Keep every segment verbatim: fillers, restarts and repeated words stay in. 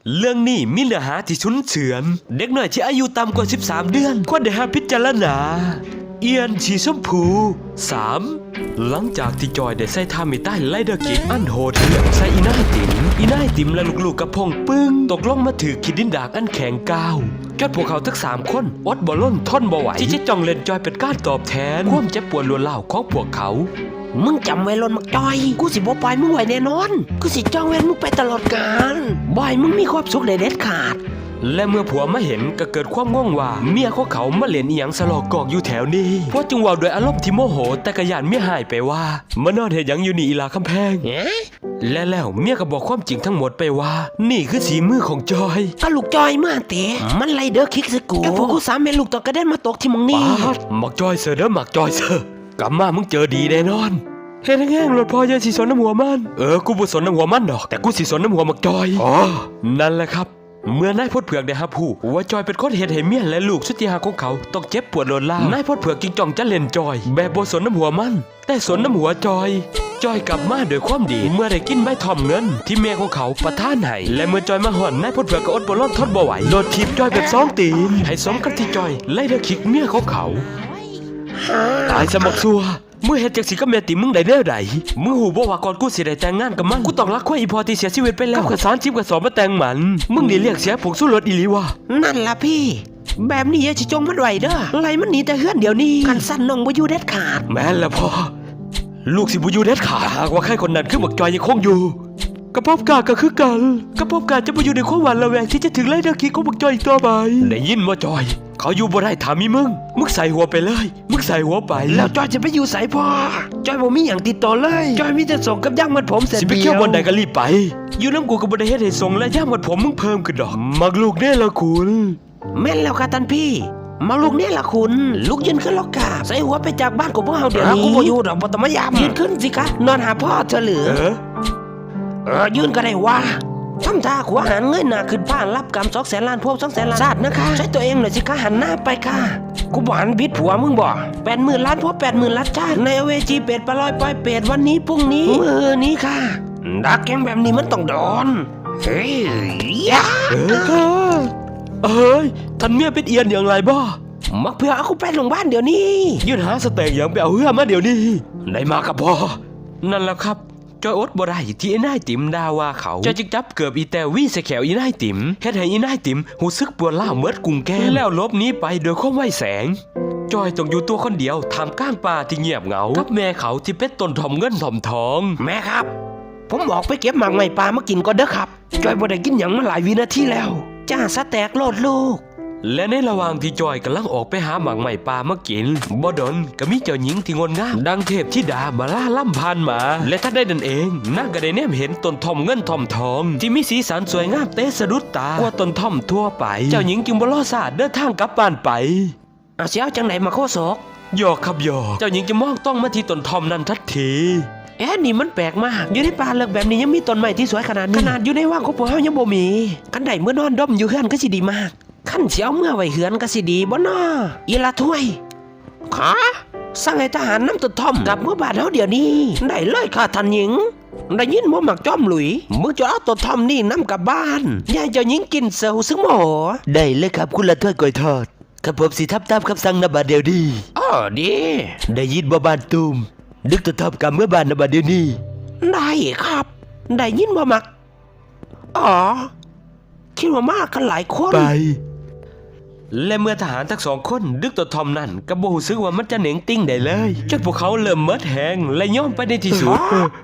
เรื่องนี้มีเนื้อหาที่ชุนเฉือนเด็กน้อยที่อายุต่ำกว่าสิบสามเดือนควรได้รับพิจารณาเอียนชีชมพู สาม หลังจากที่จอยได้ใส่ท่ามิใต้ไลเดอร์กิกอันโหดเหี้ยมใส่อีน่ายติ๋มอีน่ายติ๋มและลูกๆกระพงปึ้งตกลงมาถือขีดดินดากอันแข็งก้าวจนพวกเขาทั้งสามคนอดบ่ล้นทนบ่ไหวที่จะจ้องเล่นจอยเป็นการตอบแทนความเจ็บปวดล้วนเล่าของพวกเขามึงจำไว้ลนมักจอยกูสิบ่ปล่อยมึงไว้แน่นอนกูสิจ้องเว้นมึงไปตลอดกาลบ่อยมึงมีความสุขได้เด็ดขาดและเมื่อผัวมาเห็นก็เกิดความง่วงว่าเมียของเขามาเล่นอีหยังสลอกกอกอยู่แถวนี้เพราะจึงว่าโดยอารมณ์ที่โมโหแต่กระยานเมียหายไปว่ามานอนเห็นหยังอยู่นี่อีหลาคำแพงและแล้วเมียก็บอกความจริงทั้งหมดไปว่านี่คือสีมือของจอยก็ลูกจอยเมื่อเตะมันไล่เด้อคิกสกูแต่พวกกูสามเมลูกต้องกระเด็นมาตกที่มึงนี่หมักจอยเสือเด้อหมักจอยเสือกลับมามึงเจอดีแน่นอนเฮ็ดแห้งๆรถพอเยอะสิสนน้ำหัวมันเออกูบ่สนน้ำหัวมันดอกแต่กูสิสนน้ำหัวหมักจอยอ๋อนั่นแหละครับเมื่อนายพดเผือกได้รับผู้ว่าจอยเป็นคนเฮ็ดให้เมียและลูกสุดที่รักของเขาต้องเจ็บปวดโลนล่านายพดเผือกจึงจ้องจะเล่นจอยแบบบ่สนน้ำหัวมันแต่สนน้ำหัวจอยจอยกลับมาด้วยความดีเมื่อได้กินใบทอมเงินที่เมียของเขาประทานให้และเมื่อจอยมาห่อนนายพดเผือกก็อดบ่ร้อนทนบ่ไหวโดดถีบจอยแบบสองตีนให้สมกับที่จอยไล่เด้อคิกเมียของเขาตายสมักซัวมึงเฮ็ดจังสิกับแม่ติมึงได้แนวใดมึงหูบ่ว่าก่อนกูสิได้แต่งงานกับมันกูต้องรักควายอีพอที่เสียชีวิตไปแล้วกับสารชิบกับสอบมาแต่งมันมึงนี่เรียกเสียผงสู้รถอีหลีวะนั่นล่ะพี่แบบนี้อย่าสิจงมันไว้เด้อไล่มันหนีแต่เฮือนเดี๋ยวนี้กันสั่นน้องบ่อยู่เด็ดขาดแม่นละพ่อลูกสิบ่อยู่เด็ดขาดหากว่าใครคนนั้นคือบักจอยยังคงอยู่กระพบกาก็คือกันกระพบกาจะบ่อยู่ในความหวาดระแวงที่จะถึงไล่เด้อคิกของบักจอยอีกต่อไปได้ยินบ่จอยเขาอยู่บ่ได้ถามมีมึงมึงใส่หัวไปเลยมึงใส่หัวไปแล้วจอยจะไปอยู่ใส่พ่อจอยบ่มีอย่างติดต่อเลยจอยมีแต่ส่งกับย่างมัดผมเสร็จสิไปเที่ยวบนใดก็รีบไปอยู่น้ำกูก็บ่ได้เฮ็ดให้ส่งและย่างมัดผมมึงเพิ่มขึ้นดอกมักลูกแน่ละคุณแม่นแล้วค่ะท่านพี่มักลูกแน่ละคุณลูกยืนขึ้นแล้วกาใส่หัวไปจากบ้านของพวกเฮาเดี๋ยวนี้กูบ่อยู่ดอกบ่ต้องมายามยืนขึ้นสิคะนอนหาพ่อเธอเหลือเออเออยืนก็ได้ว่าทำท่าขวาหันเงยหน้าขึ้นบ้านรับกรรมสองแสนล้านพวกสองแสนล้านชาตินะคะใช้ตัวเองหน่อยสิคะหันหน้าไปค่ะกูบอกหันบิดผัวมึงบอกแปดหมื่นล้านพวกแปดหมื่นล้านชาติในเวจีเป็ดปลาลอยปล่อยเป็ดวันนี้พรุ่งนี้มือนี้ค่ะดักแกงแบบนี้มันต้องโดนเฮ้ยยะเออค่ะเอ้ยท่านเมียเป็นเอียนอย่างไรบ้ามักเพื่อเอากูไปโรงพยาบาลเดี๋ยวนี้ยืนหาสเต็กอย่างไปเอาเหือมาเดี๋ยวนี้ได้มากับพ่อนั่นแหละครับจอยอดบ่ได้ที่อีนายติ๋มด่าว่าเขาจอยจึงจับเกือบอีแตวี่ใส่แขวอีนายติ๋มเฮ็ดให้อีนายติ๋มหูซึกปวดล้าวเมิดกุ่งแก้มแล้วลบนี้ไปโดยความไวแสงจอยต้องอยู่ตัวคนเดียวท่ามกลางป่าที่เงียบเหงากับแม่เขาที่เป็นต้นทอมเงินทอมทองแม่ครับผมบอกไปเก็บหมากไม้ปลามากินก่อนเด้อครับจอยบ่ได้กินหยังมาหลายวินาทีแล้วจ้าสแต็กโลดลูกและในระหว่างที่จอยกำลังออกไปหาหมากไม้ป่ามากินบ่ดนก็มีเจ้าหญิงที่งดงามดังเทพธิดามาล่าล่ำพันมาและถ้าได้นั่นเองนางก็ได้แนมเห็นต้นทอมเงินทอมทองที่มีสีสันสวยงามเตะสะดุดตากว่าต้นทอมทั่วไปเจ้าหญิงจึงบ่รอซาเดินทางกลับบ้านไปอาเสียวจังไหนมาโคศกหยอกครับหยอกเจ้าหญิงจะมองต้องมาที่ต้นทอมนั้นทันทีเอ๊ะนี่มันแปลกมากอยู่ในป่าเลิกแบบนี้ยังมีต้นไม้ที่สวยขนาดนี้ขนาดอยู่ในว่างของพวกเฮายังบ่มีกันได้เมื่อนอนดมอยู่เฮือนก็สิดีมากขั้นเสียวเมื่อไว้เหือนก็สิดีบ่น้ออีละถ้วยขาสั่งให้ทหารนำต้นทอมกลับเมื่อบานเฮาเดี๋ยวนี้ได้เลยค่ะท่านหญิงได้ยินบ่มักจอมหลุยมึงจะเอาต้นทอมนี่นำกลับบ้านยายเจ้าหญิงกินเซลซึ่งโมโหได้เลยครับคุณละถ้วยก้อยทอดข้าผมสิทับตามคำสั่งนบัดเดี๋ยวดีอ๋อดีได้ยินบ่บ้านตูมดึกต้นทอมกลับเมื่อบานนบัดเดี๋ยวนี้ได้ครับได้ยินบ่มักอ๋อคิดว่ามากกันหลายคนไปและเมื่อทหารทั้งสองคนดึกตัวทอมนั่นก็บ่รู้สึกว่ามันจะเหน่งติ้งได้เลยจนพวกเขาเริ่มเมิดแหงและย่อมไปในที่สุด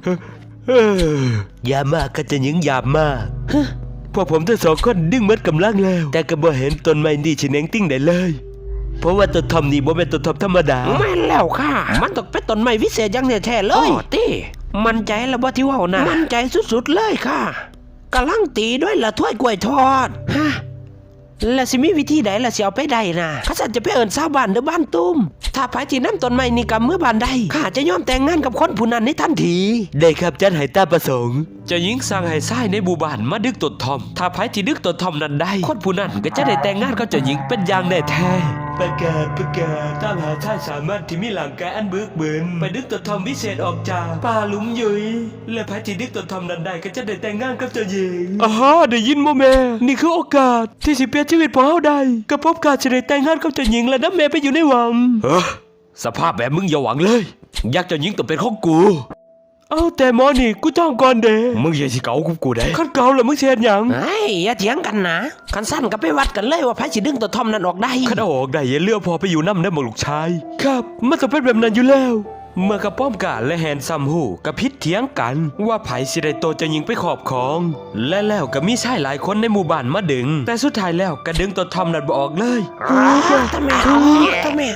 อย่ามากก็จะยิงหยาบมากพวกผมทั้งสองคนดึงเมิดกำลังแล้วแต่ก็บ่เห็นต้นไม้นี่สิเหน่งติ้งได้เลยเพราะว่าต้นทอมนี่บ่เป็นต้นทอมธรรมดาแม่นแล้วค่ะมันต้องเป็นต้นไม้วิเศษอย่างแท้ๆเลยติมั่นใจแล้วบ่ที่ว่าน่ะมั่นใจสุดๆเลยค่ะกำลังตีด้วยละถ้วยกล้วยทอดฮะแล้วสิมีวิธีใดล่ะสิเอาไปได้น่ะข้าสันจะไปเอิ้นชาวบ้านหรือบ้านตุ้มถ้าไผที่นำต้นไม้นี่กับเมื่อบ้านใดข้าจะยอมแต่งงานกับคนผู้นั้นในทันทีได้ครับจัดให้ตามประสงค์เจ้าหญิงสั่งให้ชายในหมู่บ้านมาดึกต้นทอมถ้าไผที่ดึกต้นทอมนั้นได้คนผู้นั้นก็จะได้แต่งงานกับเจ้าหญิงเป็นอย่างแน่แท้ประกาศประกาศตามหาชายสามารถที่มีหลังกายอันบึกบึนไปดึกตัวทอมวิเศษออกจากป่าหลุมยุยและพระที่ดึกตัวทอมนั้นได้ก็จะได้แต่งงานกับเจ้าหญิงอ่าฮะได้ยินบ่แม่นี่คือโอกาสที่สิเปลี่ยนชีวิตของเฮาได้กับพบการจะได้แต่งงานกับเจ้าหญิงและนำแม่ไปอยู่ในวังเฮ้อสภาพแบบมึงอย่าหวังเลยอยากเจ้าหญิงต้องเป็นของกูเอาแต่หมอนี่กูจ้องก่อนเด้มึงอย่าสิเก่ากูกูได้คันเก่าแล้วมึงเสียหยังเฮ้ยอย่าเถียงกันนะคันสั้นก็ไปวัดกันเลยว่าไผสิดึงตัวทอมนั้นออกได้คันเอาออกได้อย่าเลือกพอไปอยู่น้ำได้หมดลูกชายครับมันจะเป็นแบบนั้นอยู่แล้วเมื่อกระป้อมกาและแฮนซัมฮูกระพิษเถียงกันว่าไผสิได้โตจะยิงไปขอบของและแล้วก็มีชายหลายคนในหมู่บ้านมาดึงแต่สุดท้ายแล้วก็ดึงตัวทอมนั้นบ่ออกเลยทำไมทำไม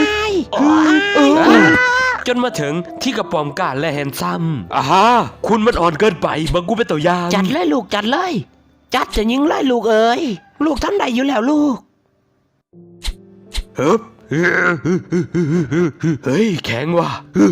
จนมาถึงที่กระป๋อมกาและแฮนซัมอ่าฮะคุณมันอ่อนเกินไปบังกูเป็นตัวอย่างจัดเลยลูกจัดเลยจัดจะยิงเลยลูกเอ๋ยลูกทำได้อยู่แล้วลูกเฮ้ยเฮ้ยแข็งว่ะ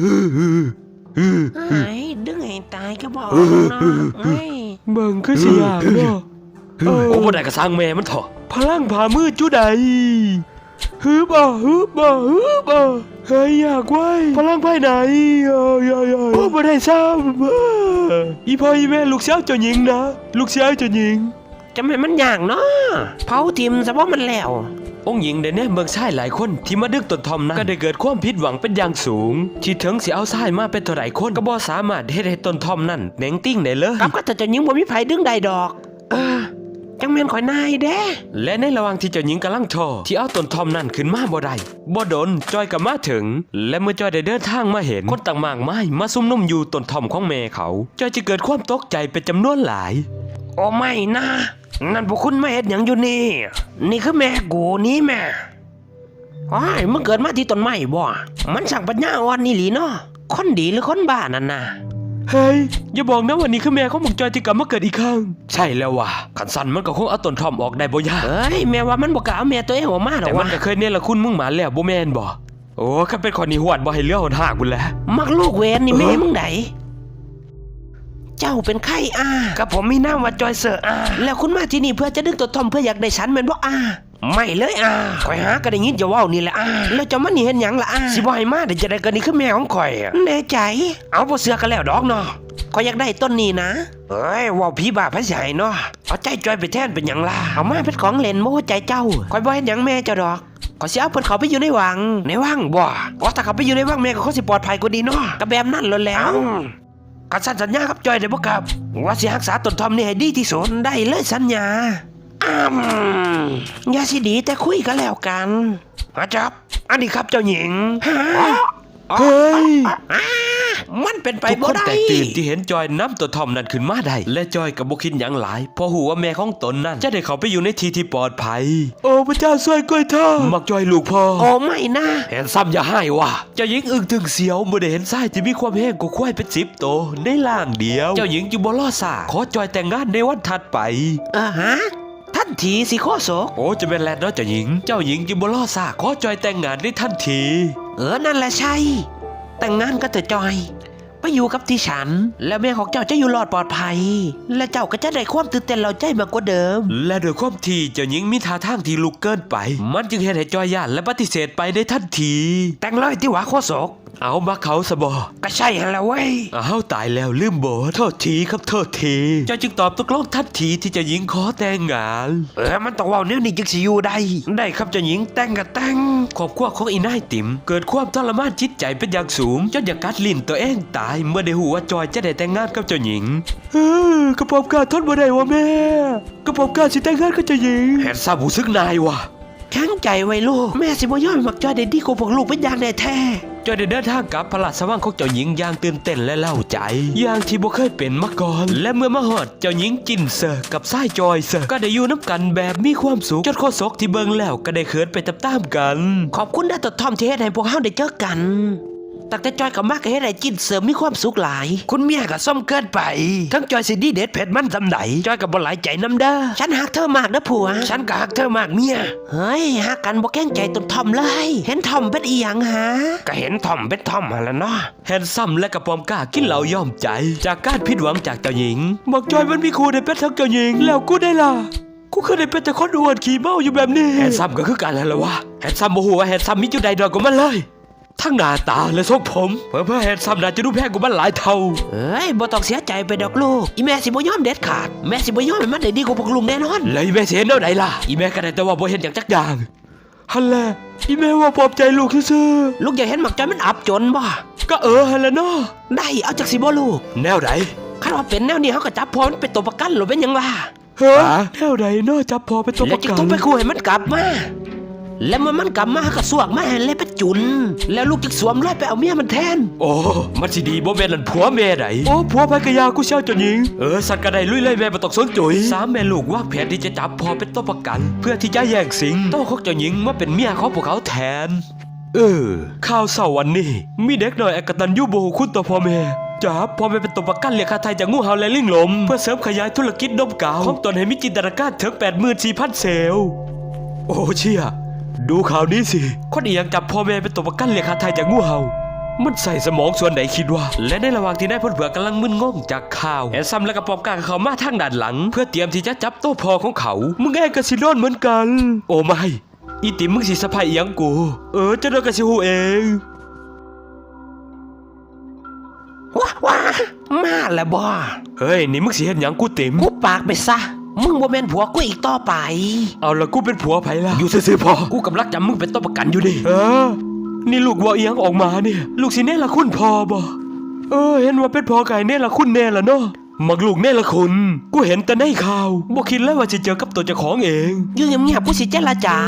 ไอ้ดึงให้ตายก็บอกนะไอ้เบิ่งคือสิยากเนาะโอ้บ่ได้ก็สร้างแม่มันเถอะพลังผ่ามืดจุใดฮึบอ่ะฮึบอ่ะฮึบอ่ะเฮ้ยอยากไว้พลังภายในเอ้ยโอ้บ่ได้ซ้ำอีพ่ออีแม่ลูกสาวเจ้าหญิงนะลูกสาวเจ้าหญิงจะไม่มันอย่างเนาะเผาทิมซะว่ามันแล้วองค์หญิงได้แน่เมืองชายหลายคนที่มาดึกต้นทอมนั้นก็ได้เกิดความผิดหวังเป็นอย่างสูงที่ถึงสิเอาชายมาเป็นเท่าไหร่คนก็บ่สามารถเฮ็ดให้ต้นทอมนั้นแหน่งติ้งได้เลยกับก็จะจะยิงบ่มีไผดึงได้ดอกเออจังแม่นข่อยนายเด้และในระหว่างที่เจ้าหญิงกำลังท้อที่เอาต้นทอมนั้นขึ้นมาบ่ได้บ่ดนจอยก็มาถึงและเมื่อจอยได้เดินทางมาเห็นคนต่างมากมายมาซุ่มนุมอยู่ต้นทอมของแม่เขาจอยจะเกิดความตกใจเป็นจำนวนหลายโอ้ไม่นะนั่นพวกคุณมาเฮ็ดหยังอยู่นี่นี่คือแม่กูนี่แม่โอ้ยมึงเกิดมาที่ต้นไม้บ่มันช่างปัญญาอ่อนนี่หลีเนาะคนดีหรือคนบ้านั่นน่ะเฮ้ยอย่าบอกนะว่านี่คือแม่ของมึงจอยที่กลับมาเกิดอีกครั้งใช่แล้วว่ะขันสันมันก็คงเอาต้นทอมออกได้บ่ยากเฮ้ยแม่ว่ามันบ่กล้าเอาแม่ตัวเองออกมาหรอกแต่มันก็เคยเนี่ยละคุณมึงหมาแล้วบ่แม่นบ่โอ้ข้าเป็นคนนี้หวดบ่ให้เลือหนหากบุญแล้วมักลูกเวนนี่แม่มึงไหนเจ้าเป็นไข้อากับผมมีนามว่าจอยเซอร์อาแล้วคุณมาที่นี่เพื่อจะดึงตัวทอมเพื่ออยากได้ฉันแม่นบ่อาไม่เลยอาข่อยหาก็ได้ยินจะเว้านี่แหละอาแล้วจะมานี่เฮ็ดหยังล่ะอาสิบ่ให้มาได้จะได้ก็นี่คือแม่ของข่อยแน่ใจเอาบ่เสือกันแล้วดอกเนาะข่อยอยากได้ต้นนี้นะเอ้ยว้าผีบ้าพระใหญ่เนาะเอาใจจอยไปแทนเป็นหยังล่ะเอามาเป็นของเล่นโม้ใจเจ้าข่อยบ่เฮ็ดหยังแม่เจ้าดอกข่อยสิเอาเพิ่นเขาไปอยู่ในวังในวังบ่ว่าถ้าเขาไปอยู่ในวังแม่ก็คงสิปลอดภัยกว่าดีเนาะก็แบบนั้นแล้วแล้วกันสัญญาครับจอยได้บ่ครับว่าสิรักษาต้นทอมนี่ให้ดีที่สุดได้เลยสัญญาอ้ำอย่าสิดีแต่คุยกันแล้วกันอาจับอันนี้ครับเจ้าหญิงเฮ้ยมันเป็นไปบ่ได้ทุกคนแตกตื่นที่เห็นจอยน้ำตัวทอมนั้นขึ้นมาได้และจอยกับบ่คิดหยังหลายเพราะหูว่าแม่ของตนนั้นจะได้เขาไปอยู่ในที่ที่ปลอดภัยโอ้พระเจ้าช่วยกล้วยทอดมักจอยลูกพ่อโอ้ไม่นะเห็นซ้ำอย่าให้ว่ะเจ้าหญิงอึ้งถึงเสียวเมื่อได้เห็นทรายที่มีความแห้งกว่าควายเป็นสิบโตในล่างเดียวเจ้าหญิงจึงบ่ล้อซ่าขอจอยแต่งงานในวันถัดไปอ่าฮะทันทีสิโคโซโอ้จะเป็นแลนด์เนาะเจ้าหญิงเจ้าหญิงจึงบ่ล้อซ่าขอจอยแต่งงานในทันทีเออนั่นแหละใช่แต่งงานก็เถอะจอยไปอยู่กับที่ฉันและแม่ของเจ้าจะอยู่รอดปลอดภัยและเจ้าก็จะได้ความตื่นเต้นเราใจมากกว่าเดิมและโดยความที่เจ้าหญิงมีท่าทางที่ลุกเกินไปมันจึงเห็นให้จอยย่านและปฏิเสธไปได้ทันทีแต่งเลยที่หวาโคโศกเอามาเขาสบอก็ใช่ฮะแล้วเว้ยเอาตายแล้วลืมโบโทษทีครับโทษทีเจ้าจึงตอบตกลงทันทีที่เจ้าหญิงขอแต่งงานเออมันต้องว่าเนี้ยนี่จึงสิอยู่ได้ได้ครับเจ้าหญิงแต่งกับแต่งครอบครัวของอีนายติ๋มเกิดความทรมานจิตใจเป็นอย่างสูงจนอยากกัดลิ้นตัวเองตายเมื่อได้หูว่าจอยจะได้แต่งงานกับเจ้าหญิงเออกระผมกาทนบ่ได้วะแม่กระผมกาสิแต่งงานกับเจ้าหญิงแหนซาบูซึกนายวะแข็งใจไว้ลูกแม่สิบ่ยอมมักจอยได้ดีกว่าพวกลูกเป็นอย่างแน่แท้จอยได้เดินทางกับพระราชวังของเจ้าหญิงอย่างตื่นเต้นและเล่าใจอย่างที่บ่เคยเป็นมาก่อนและเมื่อมาฮอดเจ้าหญิงจินเซอร์กับสายจอยเซอร์ก็ได้อยู่น้ำกันแบบมีความสุขจนข้อศกที่เบิ่งแล้วก็ได้เขินไปตามๆกันขอบคุณนะตัวทอมที่เฮ็ดให้พวกเฮาได้เจอกันตั้งแต่จอยกับมากก็เฮ็ดให้จินเสริมมีความสุขหลายคุณเมียก็ส้มเกินไปทั้งจอยสิดีเด็ดเผ็ดมันจำไหนจอยก็บ่หลายใจนำเด้อฉันฮักเธอมากนะผัวฉันก็ฮักเธอมากเมียเฮ้ยฮักกันบ่แกล้งใจต้นทอมเลยเห็นทอมเป็นอีหยังหาก็เห็นทอมเป็นทอมหั่นล่ะเนาะแฮนซัมและกระปอมกล้ากินเหล้ายอมใจจากการผิดหวังจากเจ้าหญิงบอกจอยมันมีครูได้เป็นทั้งเจ้าหญิงแล้วกูได้ล่ะกูเคยได้เป็นแต่คนอวดขี่เมาอยู่แบบนี้แฮนซัมก็คือกันแล้วล่ะวะแฮนซัมโมโหว่าแฮนซัมมีจุดใดดอยกว่ามันเลยทั้งหน้าตาและทรงผมเพื่อเพื่อแฮนซัมน่าจะดูแพงกว่ามันหลายเท่าเอ้ยบ่ต้องเสียใจไปดอกลูกอีแม่สิบ่ยอมเด็ดขาดแม่สิบ่ยอมให้มันได้ดีกว่าพวกลุงแน่นอนเลยแม่เสียแนวไหนล่ะอีแม่ก็ได้แต่ว่าบ่เห็นอย่างจักอย่างฮันแหละอีแม่ว่าปลอบใจลูกซื่อลูกอยากเห็นหมักจอยมันอับจนบ่ก็เออฮันแหละเนาะได้เอาจากสิบ่ลูกแนวไหนคันว่าเป็นแนวนี้เฮาก็จับพอมันเป็นตัวประกันหรือเป็นหยังล่ะเฮ้อแนวไหนเนาะจับพอเป็นตัวประกันแล้วจึงต้องไปคู่ให้มันกลับมาแล้วเมื่อมันกลับมาก็สวกมาให้เลยไปจุนแล้วลูกจึงสวมรอยไปเอาเมียมันแทนโอ้มันสิดีบ่แม่นนั่นผัวแม่ไหนโอ้ผัวไปกะยากูเช่าจนยิงเออสัตว์กระไดลุยเลยแม่บ่ต้องสนจุยสามแม่ลูกวางแผนที่จะจับพอเป็นตัวประกันเพื่อที่จะแย่งสิงโต้ของเจ้าหญิงมาเป็นเมียของพวกเขาแทนเออข่าวเศร้าวันนี้มีเด็กน้อยอกตัญญูบ่ฮู้คุณต่อพ่อแม่จับพ่อแม่เป็นตัวประกันเรียกค่าไถ่จากงูเห่าและลิงลมเพื่อเสริมขยายธุรกิจนมกาวของตนให้มีจินตนาการถึง แปดหมื่นสี่พัน เซลล์โอ้เชี่ยดูข่าวนี้สิคนอีหยังจับพ่อแม่เป็นตัวประกันเรียกค่าไถ่จากงูเห่ามันใส่สมองส่วนไหนคิดว่าและในระหว่างที่นายพลเผือกกำลังมึนงงจากข่าวแอนซัมและกระปอมกาเขามาทางด้านหลังเพื่อเตรียมที่จะจับโต้พ่อของเขามึงเองก็สิโดนเหมือนกันโอ้ไม่อีติ๋มมึงสิสะพายอีหยังกูเออจะโดนกระสิหูเองว้าว้ามาแล้วบ่เฮ้ยนี่มึงสิเห็นหยังกูติ๋มกูปากไปซะมึงบ่แม่นผัวกูอีกต่อไปเอาละกูเป็นผัวไผล่ะอยู่ซื่อๆพอกูกำลังจำมึงเป็นตัวประกันอยู่ดิเออนี่ลูกว่าอีหยังออกมาเนี่ยลูกสิเน่ละคุณพอบ่เออเห็นว่าเป็นพ่อไก่เน่ละคุณแน่ละเนาะมักลูกเน่ละคุณกูเห็นแต่ในข่าวบ่คิดเลยว่าจะเจอกับตัวเจ้าของเองอยู่เงียบๆกูสิเจรจา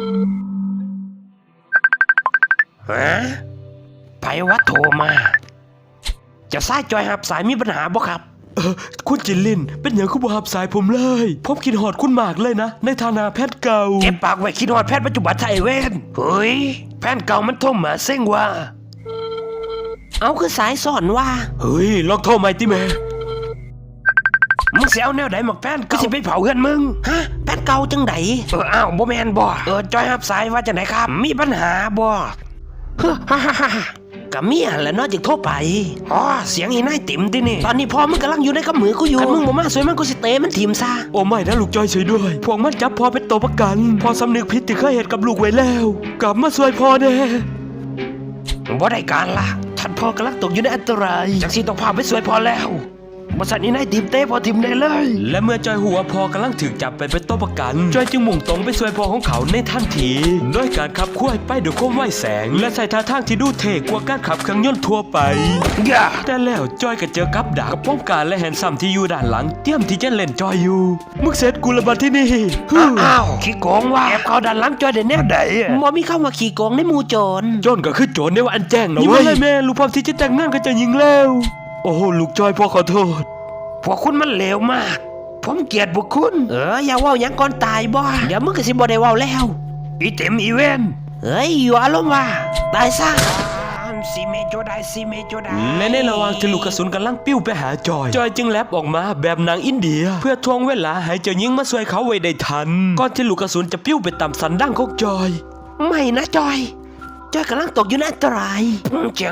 ฮะไผวะโทรมาจะสายจอยหับสายมีปัญหาบ่ครับเออคุณจินลินเป็นอย่างคุณบ่หับสายผมเลยผมคิดฮอดคุณมากเลยนะในฐานะแพทย์เก่าเก็บปากไว้คิดฮอดแพทย์ปัจจุบันไทยเว้นเฮ้ยแพทย์เก่ามันโทรมาเซ็งว่าเอาคือสายสอนว่าเฮ้ยลองโทรใหม่ติแม่มึงเสียเอาแนวไหนหมกแพทย์ก็สิไปเผาเงินมึงฮะแพทย์เก่าจังไดเอออ้าวบ่แม่นบ่เออจอยหับสายว่าจังไดครับมีปัญหาบ่ฮ่าฮ่าฮ่ากับเมียแหละนอกจากโทรไปอ๋อเสียงอีนายติ๋มตินี่ตอนนี้พ่อมึงกำลังอยู่ในกำมือกูอยู่มึงบ่มาสวยมันกูสิเตะมันทีมซะโอ้ไม่นะลูกจอยช่วยด้วยพวกมันจับพ่อเป็นตัวประกันพ่อสำนึกผิดที่เคยเห็นกับลูกไว้แล้วกลับมาช่วยพ่อแน่บ่ได้การละท่านพ่อกำลังตกอยู่ในอันตรายจากสิต้องพาไปช่วยพ่อแล้วบริษัทนี้นายทีมเต้พอทีมได้เลยและเมื่อจอยหัวพอกำลังถูกจับไปเป็นตัวประกันจอยจึงมุ่งตรงไปช่วยพ่อของเขาในทันทีด้วยการขับคุ้ยไปด้วยความไวแสงและใส่ท่าทางที่ดูเท่กว่าการขับเครื่องยนต์ทั่วไปแต่แล้วจอยก็เจอกับดักกับป้อมการและแฮนซัมที่อยู่ด้านหลังเตรียมที่จะเล่นจอยอยู่มึงเสร็จกูระบาดที่นี่อ้าวขี้โกงว่าแอบเขาด้านหลังจอยได้แน่ใดมอมีเข้ามาขี้โกงในหมู่โจรโจรก็คือโจรในว่าอันแจ้งนะเว้ยนี่แม่ลูกพร้อมที่จะแต่งงานกับเจ้าหญิงแล้วโอ้ลูกจอยพ่อขอโทษพวกคุณมันเลวมากผมเกลียดพวกคุณเอออย่าว่าอย่างก่อนตายบ่เดี๋ยวมึงก็สิบ่ได้ว่าแล้วอีเต็มอีเวนเฮ้ยอยู่อารมณ์ว่าตายซะซีเมโจได้ซีเมโจได้และในระหว่างที่ลูกกระสุนกำลังปิ้วไปหาจอยจอยจึงแลบออกมาแบบนางอินเดียเพื่อทวงเวลาให้เจ้าหญิงมาช่วยเขาไว้ได้ทันก่อนที่ลูกกระสุนจะปิ้วไปตามสันดั้งของจอยไม่นะจอยจอยกำลังตกอยู่ในอันตรายจัง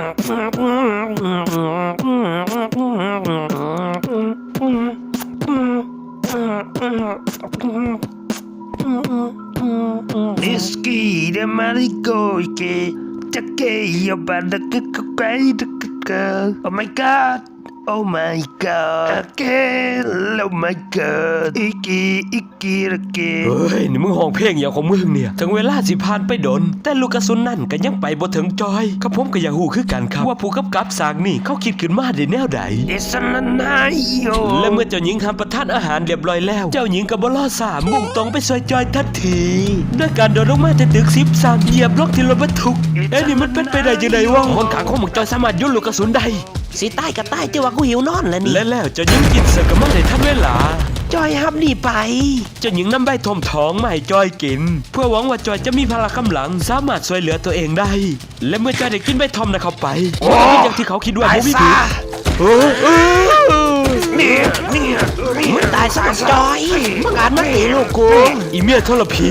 ดิสกี้เดมาริโกเกจะเกยบาดักกไกดักกโอ้ my god Oh my god again Oh my god อีกีอีกีระเกเฮ้ยนี่มึงห้องเพลงอย่างของมึงเนี่ยถึงเวลาสิผ่านไปดนแต่ลูกกระสุนนั่นก็ยังไปบ่ถึงจอยครับผมก็อยากหูคือกันครับว่าผู้กำกับสร้างนี่เขาคิดขึ้นมาได้แนวใด It's an night และเมื่อเจ้าหญิงทำประทานอาหารเรียบร้อยแล้วเจ้าหญิงก็บ่รอช้ามุ่งตรงไปช่วยจอยทันทีด้วยการโดดลงมาจากตึกสิบสามเหยียบล็อกที่รถบรรทุกเอ้นี่มันเป็นไปได้จังได๋วะคนขังของมึงจอยสามารถยุ่นลูกกระสุนได้สิใต้ก็ใต้แต่ว่ากูหิวนอนแล้วนี่และแล้วเจ้าหญิงกินเสร็จก็มาได้ทันเวลาจอยฮับนี่ไปเจ้าหญิงนำใบทมท้องมาให้จอยกินเพื่อหวังว่าจอยจะมีพละกำลังสามารถช่วยเหลือตัวเองได้และเมื่อจอยได้กินใบทอมนะเข้าไปก็เป็นอย่างที่เขาคิดว่าบ่มีผิดเออนี่นี่มึงตายซะจอยมึงอ่านมาตีลูกกูอีเมียทรพี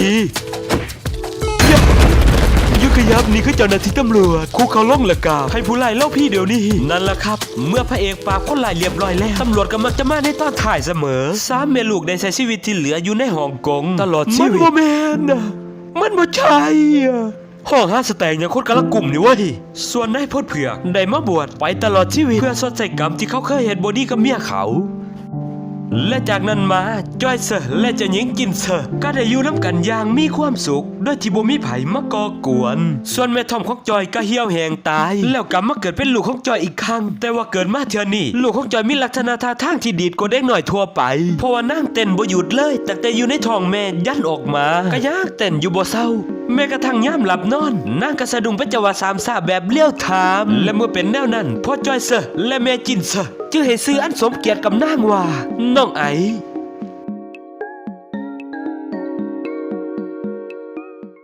ยุกยับนี่คือเจ้าหน้าที่ตำรวจคุกเขาล่องละกาให้ผู้ไล่เล่าพี่เดี๋ยวนี้นั่นแหละครับเมื่อพระเอกปราบคนไล่เรียบร้อยแล้วตำรวจก็มักจะมาในตอนถ่ายเสมอสามแม่ลูกได้ใช้ชีวิตที่เหลืออยู่ในฮ่องกงตลอดชีวิตมันบ่แม่นนะมันบ่ใช่อะห้องหาสแตงอย่างคนกำลังกลุ่มนี่เว้ยส่วนนายพดเผือกได้มาบวชไปตลอดชีวิตเพื่อสดใส่กรรมที่เขาเคยเห็นบอดี้กับเมียเขาและจากนั้นมาจอยเซอร์และเจะหญิงจินเซอร์ก็ได้อยู่น้ำกันอย่างมีความสุขโดยที่บ่มีไผมากอกวน ส่วนแม่ทอมของจอยก็เหี่ยวแหงตาย แล้วกลับมาเกิดเป็นลูกของจอยอีกครั้งแต่ว่าเกิดมาเทื่อนี้ลูกของจอยมีลักษณะท่าทางที่ดีดกว่าเด็กหน่อยทั่วไปเพราะว่านั่งเต้นบ่หยุดเลยตั้งแต่อยู่ในท้องแม่ยันออกมาก็ยากเต้นอยู่บ่เศร้าแม้กระทั่งย่ามหลับนอนนางก็สะดุ้งเป็นจังหวะสามซ่าแบบเลี้ยวถามและเมื่อเป็นแนวนั้นพ่อจอยเซอร์และแม่จินเซอร์จึงให้ซื้ออันสมเกียรติกับนางว่าน้องไอ